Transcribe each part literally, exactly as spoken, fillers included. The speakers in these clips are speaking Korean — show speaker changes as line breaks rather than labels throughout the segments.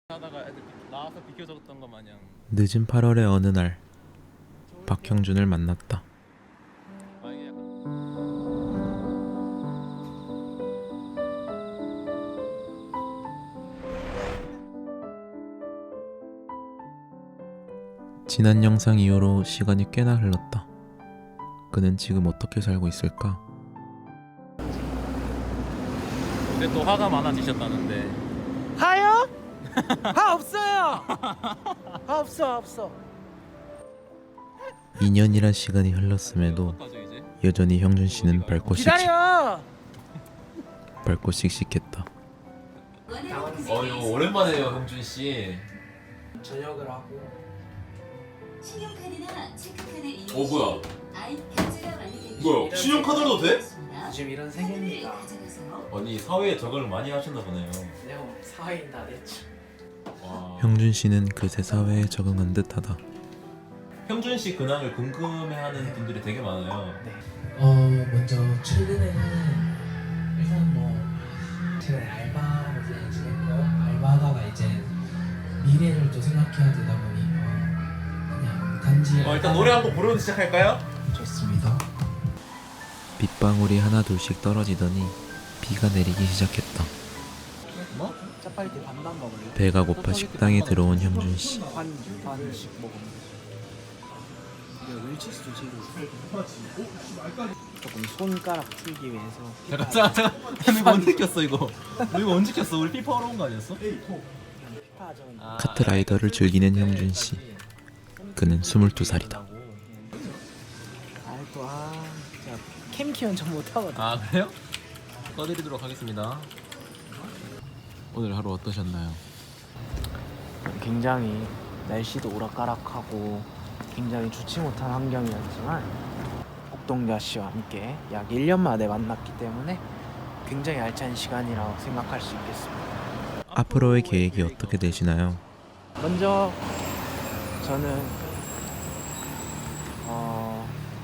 하다가 애들 나와서 비켜줬던 것 마냥.
늦은 팔월의 어느 날 박형준을 만났다.
아, 이게 약간
지난 영상 이후로 시간이 꽤나 흘렀다. 그는 지금 어떻게 살고 있을까?
근데 또 화가 많아지셨다는데.
화요? 화 없어요. 화 없어 없어.
이 년이란 시간이 흘렀음에도
어떡하죠, 이제?
여전히 형준 씨는 밝고 씩씩
기다려.
밝고 씩씩했다.
어, 이거 오랜만에요, 형준 씨.
저녁을 하고.
신용카드나 체크카드 이용
어, 뭐야?
아이 결제가 완료된
뭐야? 신용카드로도 돼?
요즘 이런 세계입니다.
가져가세요.
아니, 사회에 적응을 많이 하셨나 보네요.
내가 사회인 다 됐죠.
와.
형준 씨는 그새 사회에 적응한 듯하다.
형준 씨 근황을 궁금해하는 분들이 되게 많아요.
네. 어 먼저 최근에는 일단 뭐 최근에 알바로 이제 지냈고 알바하다가 이제 미래를 또 생각해야 되다 보니 어, 그냥 단지.
어, 일단 노래 한곡 부르면 시작할까요?
좋습니다.
빗방울이 하나 둘씩 떨어지더니 비가 내리기 시작했다.
뭐?
짜파게티 반반 먹을래?
배가 고파 식당에 들어온 형준 씨.
반 반씩 먹으면. 이거 웰치스도 지금 조금 손가락 풀기 위해서.
잠깐, 잠깐, 잠깐. 이거 언제 켰어, 이거? 이거 언제 켰어? 우리 피파 하러 온 거 아니었어?
피파전.
아,
카트라이더를 즐기는 형준 씨. 그는 스물두 살이다.
아또 아, 진짜 캠 키운 좀 못하거든.
아, 그래요? 꺼드리도록 하겠습니다. 오늘 하루 어떠셨나요?
굉장히 날씨도 오락가락하고 굉장히 좋지 못한 환경이었지만 옥동자 씨와 함께 약 일 년 만에 만났기 때문에 굉장히 알찬 시간이라고 생각할 수 있겠습니다.
앞으로의 계획이 어떻게 되시나요?
먼저 저는 어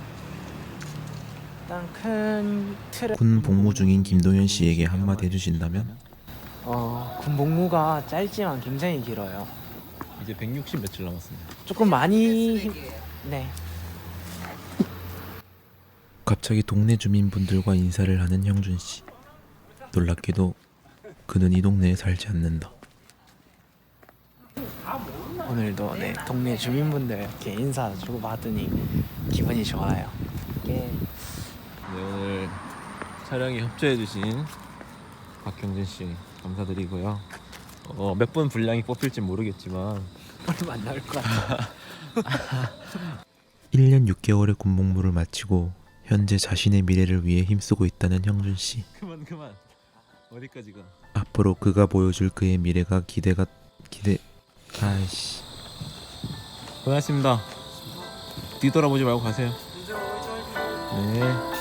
일단 큰 틀에
군 복무 중인 김동현 씨에게 한마디 해주신다면?
어, 군 복무가 짧지만 굉장히 길어요.
이제 백육십 며칠 남았습니다.
조금 많이 힘- 네.
갑자기 동네 주민분들과 인사를 하는 형준 씨. 놀랍게도 그는 이 동네에 살지 않는다.
오늘도 네 동네 주민분들 이렇게 인사 주고 받으니 기분이 좋아요. 예.
네, 오늘 촬영에 협조해주신 박형준 씨 감사드리고요. 어, 몇 분 분량이 뽑힐지 모르겠지만
얼마 안 나올 것 같아.
일 년 육 개월의 군 복무를 마치고 현재 자신의 미래를 위해 힘쓰고 있다는 형준 씨.
그만 그만 어디까지가?
앞으로 그가 보여줄 그의 미래가 기대가 기대. 아이씨.
고맙습니다. 뒤돌아보지 말고 가세요. 네.